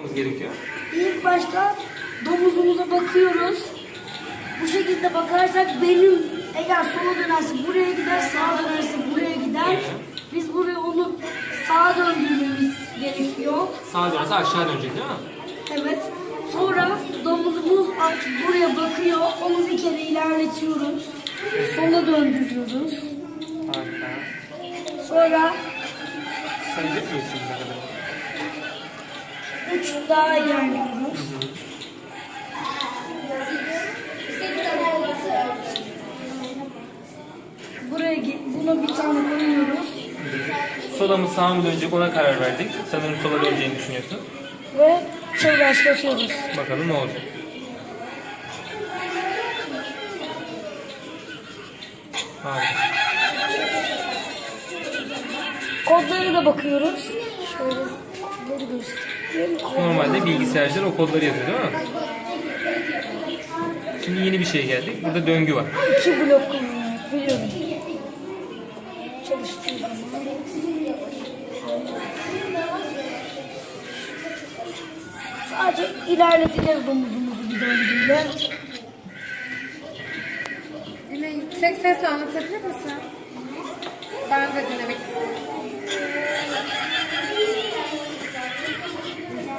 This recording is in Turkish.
yapmamız gerekiyor? İlk başta domuzumuza bakıyoruz. Bu şekilde bakarsak benim eğer sola dönerse buraya gider, sağa dönerse buraya gider. Biz buraya onu sağa döndürmemiz gerekiyor. Sağa dönerse aşağı dönecek değil mi? Evet. Sonra domuzumuz artık buraya bakıyor. Onu bir kere ilerletiyoruz. Sola döndürüyoruz. Harika. Sonra Sayacak mıyız şimdi ne kadar? 3 daha ilerliyoruz. Buna bir tane koyuyoruz. Sola mı sağa mı dönecek ona karar verdik. Sanırım sola döneceğini düşünüyorsun. Ve başlatıyoruz. Bakalım ne olacak. Harika. Kodlara da bakıyoruz. Şöyle kodları göstereyim. Normalde bilgisayarcılar o kodları yazıyor değil mi? Şimdi yeni bir şey geldi. Burada döngü var. 2 blok kullanarak biliyorum. Çalıştığı zaman. Sadece ilerleteceğiz domuzumuzu bir döngüyle. Yine yüksek sesle anlatabilir misin? Ben de dinlemek istiyorum.